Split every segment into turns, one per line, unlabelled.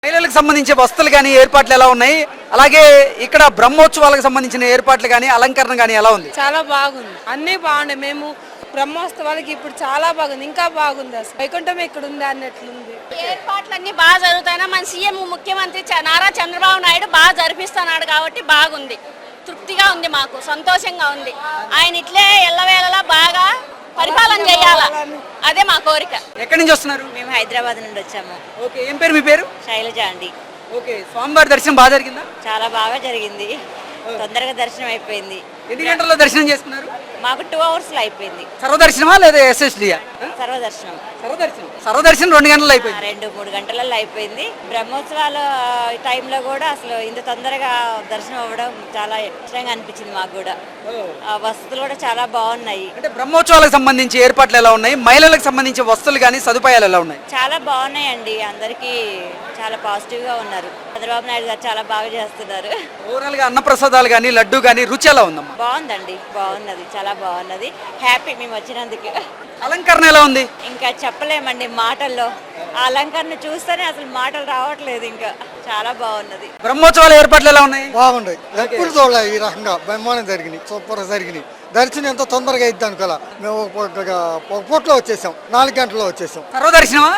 మహిళలకు సంబంధించిన వస్తువులు కానీ ఏర్పాట్లు ఎలా ఉన్నాయి, అలాగే ఇక్కడ బ్రహ్మోత్సవాలకు సంబంధించిన ఏర్పాట్లు కానీ అలంకరణ కానీ ఎలా ఉంది?
చాలా బాగుంది, అన్నీ బాగున్నాయి. మేము బ్రహ్మోత్సవాలకి ఇప్పుడు చాలా బాగుంది, ఇంకా బాగుంది. అసలు వైకుంఠం ఇక్కడ ఉంది అన్నట్లుంది.
ఏర్పాట్లన్నీ బాగా జరుగుతాయినా మన సీఎం ముఖ్యమంత్రి నారా చంద్రబాబు నాయుడు బాగా జరిపిస్తున్నాడు కాబట్టి బాగుంది, తృప్తిగా ఉంది, మాకు సంతోషంగా ఉంది. ఆయన ఇట్లే ఎల్లవేళలా బాగా పరిపాలన చేయాలా, అదే మా కోరిక.
ఎక్కడి నుంచి వస్తున్నారు?
మేము హైదరాబాద్ నుండి వచ్చాము.
ఓకే, ఏం పేరు మీ పేరు?
శైలజ అండి.
ఓకే, స్వామివారి దర్శనం బాగా జరిగిందా?
చాలా బాగా జరిగింది, తొందరగా దర్శనం అయిపోయింది.
ఎన్ని గంటల్లో దర్శనం చేసుకున్నారు?
మాకు 2 అవర్స్లో అయిపోయింది.
సర్వదర్శనమా లేదా ఎస్ఎస్డియా?
సర్వదర్శనం.
సర్వదర్శనం 2 గంటల్లో అయిపోయింది.
2-3 గంటలలో అయిపోయింది. బ్రహ్మోత్సవాల టైంలో కూడా అసలు ఇంత తొందరగా దర్శనం అవ్వడం చాలా ఇష్టంగా అనిపించింది మాకు కూడా. వసతులు కూడా చాలా బాగున్నాయి.
అంటే బ్రహ్మోత్సవాలకు సంబంధించి ఏర్పాట్లు ఎలా ఉన్నాయి, మహిళలకు సంబంధించి వస్తువులు కానీ సదుపాయాలు ఎలా ఉన్నాయి?
చాలా బాగున్నాయండి, అందరికీ చాలా పాజిటివ్గా ఉన్నారు. చంద్రబాబు నాయుడు గారు చాలా బాగా చేస్తున్నారు.
ఓవరాల్ గా అన్నప్రసాదాలు కానీ లడ్డు కానీ రుచి ఎలా ఉందమ్మా?
బాగుందండి, బాగున్నది, చాలా బాగున్నది. హ్యాపీ మేము వచ్చినందుకు.
అలంకరణ ఎలా ఉంది?
ఇంకా చెప్పలేమండి మాటల్లో. ఆ అలంకరణ చూస్తేనే అసలు మాటలు రావట్లేదు, ఇంకా చాలా బాగున్నది.
బ్రహ్మోత్సవాల ఏర్పాట్లు ఎలా ఉన్నాయి?
బాగుంటాయి. ఎప్పుడు చూడలే ఈ రకంగా బ్రహ్మాండం జరిగినాయి, సూపర్ జరిగినాయి. దర్శనం ఎంతో తొందరగా అయిద్ది అనుకోలే. మేము ఒక పూటలో వచ్చేసాం, 4 గంటల్లో వచ్చేసాం.
సర్వదర్శనమా?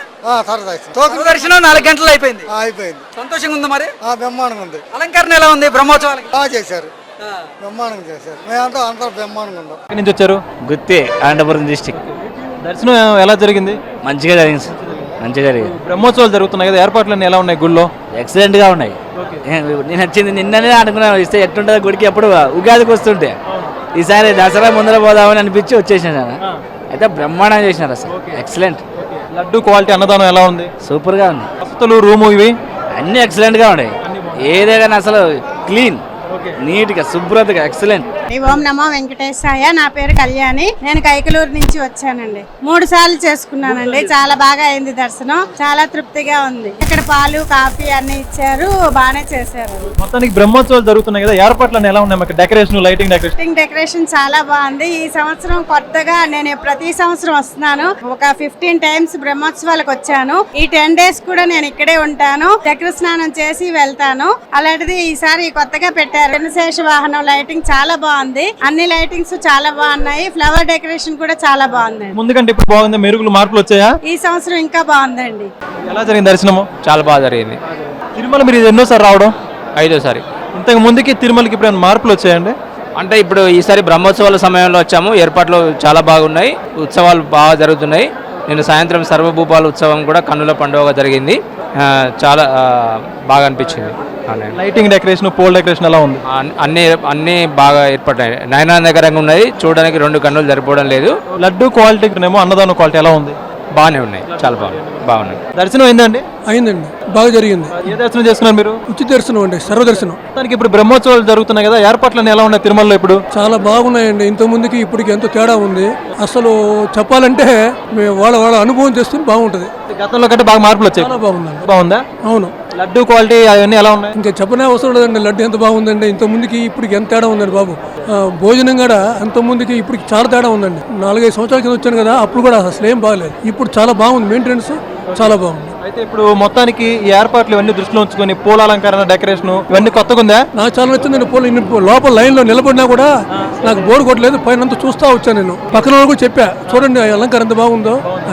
సరదర్శనం
4 గంటల్లో అయిపోయింది.
అయిపోయింది.
సంతోషంగా ఉందా మరి?
బ్రహ్మాండంగా ఉంది.
అలంకరణ ఎలా ఉంది బ్రహ్మోత్సవాలకి?
బాగా చేశారు, బ్రహ్మాండంగా చేశారు. మేమంతా అందరూ బ్రహ్మాండంగా ఉన్నాం.
ఎక్కడి నుంచి వచ్చారు?
గుత్తి, అనంతపురం డిస్టిక్.
దర్శనం ఎలా జరిగింది?
మంచిగా జరిగింది, మంచిగా జరిగింది.
బ్రహ్మోత్సవాలు జరుగుతున్నాయి కదా, ఏర్పాట్లన్నీ ఎలా ఉన్నాయి గుళ్ళో?
ఎక్సలెంట్గా ఉన్నాయి. నేను వచ్చింది నిన్ననే అనుకున్నాను, ఇస్తే ఎట్లుంటుందో గుడికి. ఎప్పుడు ఉగాదికి వస్తుంటే ఈసారి దసరా ముందర పోదామని అనిపించి వచ్చేసాను. అయితే బ్రహ్మాండంగా చేసినారు, అసలు ఎక్సలెంట్.
లడ్డు క్వాలిటీ, అన్నదానం ఎలా ఉంది?
సూపర్గా ఉంది.
వసతులు, రూము ఇవి
అన్నీ ఎక్సలెంట్గా ఉన్నాయి. ఏదైనా అసలు క్లీన్, నీట్గా, శుభ్రతగా ఎక్సలెంట్.
ఓం నమో వెంకటేశాయ. నా పేరు కళ్యాణి. నేను కైకలూరు నుంచి వచ్చానండి. 3 సార్లు చేసుకున్నానండి. చాలా బాగా అయింది దర్శనం, చాలా తృప్తిగా ఉంది. ఇక్కడ పాలు, కాఫీ అన్ని ఇచ్చారు, బాగానే చేశారు.
మొత్తానికి బ్రహ్మోత్సవాలు జరుగుతున్నాయి కదా, ఏర్పాట్లన్నీ ఎలా ఉన్నాయి? మాకు డెకరేషన్, లైటింగ్
డెకరేషన్ చాలా బాగుంది. ఈ సంవత్సరం కొత్తగా నేను ప్రతి సంవత్సరం వస్తున్నాను. ఒక 15 టైమ్స్ బ్రహ్మోత్సవాలకు వచ్చాను. ఈ 10 డేస్ కూడా నేను ఇక్కడే ఉంటాను. చక్ర స్నానం చేసి వెళ్తాను. అలాంటిది ఈసారి కొత్తగా పెట్టారు శేష వాహనం. లైటింగ్ చాలా బాగుంది, అన్ని లైటింగ్స్ చాలా బాగున్నాయి. ఫ్లవర్ డెకరేషన్ కూడా చాలా బాగుంది.
ముందుకంటే ఇప్పుడు బాగుంది, మెరుగులు, మార్పులు వచ్చాయా?
ఈ సంవత్సరం ఇంకా బాగుందండి.
ఎలా జరిగింది దర్శనము?
చాలా బాగా జరిగింది.
తిరుమల మీరు ఇది ఎన్నోసారి రావడం?
5వ సారి.
ఇంతకు ముందుకి తిరుమలకి ఇప్పుడు మార్పులు వచ్చాయండి?
అంటే ఇప్పుడు ఈసారి బ్రహ్మోత్సవాల సమయంలో వచ్చాము. ఏర్పాట్లు చాలా బాగున్నాయి, ఉత్సవాలు బాగా జరుగుతున్నాయి. నేను సాయంత్రం సర్వభూపాల ఉత్సవం కూడా కన్నుల పండుగగా జరిగింది. చాలా బాగా అనిపించింది.
లైటింగ్, డెకరేషన్, పోల్ డెకరేషన్ ఎలా ఉంది?
అన్నీ బాగా ఏర్పడ్డాయి, నయనానందకరంగా ఉన్నాయి. చూడడానికి 2 కన్నులు సరిపోవడం లేదు.
లడ్డు క్వాలిటీ ఏమో, అన్నదానం క్వాలిటీ ఎలా ఉంది?
బాగానే ఉన్నాయి, చాలా బాగున్నాయి.
దర్శనం అయిందండి?
అయిందండి, బాగా జరిగింది.
ఏ దర్శనం చేసుకున్నారు మీరు?
ఉచిత దర్శనం అండి, సర్వదర్శనం.
దానికి ఇప్పుడు బ్రహ్మోత్సవాలు జరుగుతున్నాయి కదా, ఏర్పాట్లన్నీ ఎలా ఉన్నాయి తిరుమలలో ఇప్పుడు?
చాలా బాగున్నాయండి. ఇంత ముందుకి ఇప్పటికి ఎంతో తేడా ఉంది. అసలు చెప్పాలంటే వాళ్ళ అనుభవం చేస్తే బాగుంటది.
గతంలో కంటే బాగా మార్పులు వచ్చాయి.
చాలా బాగుందండి.
బాగుందా?
అవును.
లడ్డు క్వాలిటీ అవన్నీ ఎలా ఉన్నాయి?
ఇంకా చెప్పనే అవసరం లేదండి. లడ్డు ఎంత బాగుందండి. ఇంత ముందుకి ఇప్పటికి ఎంత తేడా ఉందండి బాబు. భోజనం కూడా అంత ముందుకి ఇప్పటికి చాలా తేడా ఉందండి. 4-5 సంవత్సరాల కింద వచ్చాను కదా, అప్పుడు కూడా అసలు ఏం బాగలేదు. ఇప్పుడు చాలా బాగుంది, మెయింటెనెన్స్ చాలా బాగుంది.
అయితే ఇప్పుడు మొత్తానికి ఈ ఏర్పాట్లు ఇవన్నీ దృష్టిలో ఉంచుకొని పూల అలంకరణ, డెకరేషన్ ఇవన్నీ కొత్తగా ఉందా?
నాకు చాలా నచ్చిందండి. లోపల లైన్ లో నిలబడినా కూడా నాకు బోర్ కొట్టలేదు. పైన చూస్తా వచ్చాను నేను. పక్కన వాళ్ళు కూడా చెప్పా, చూడండి అలంకారం ఎంత బాగుందో.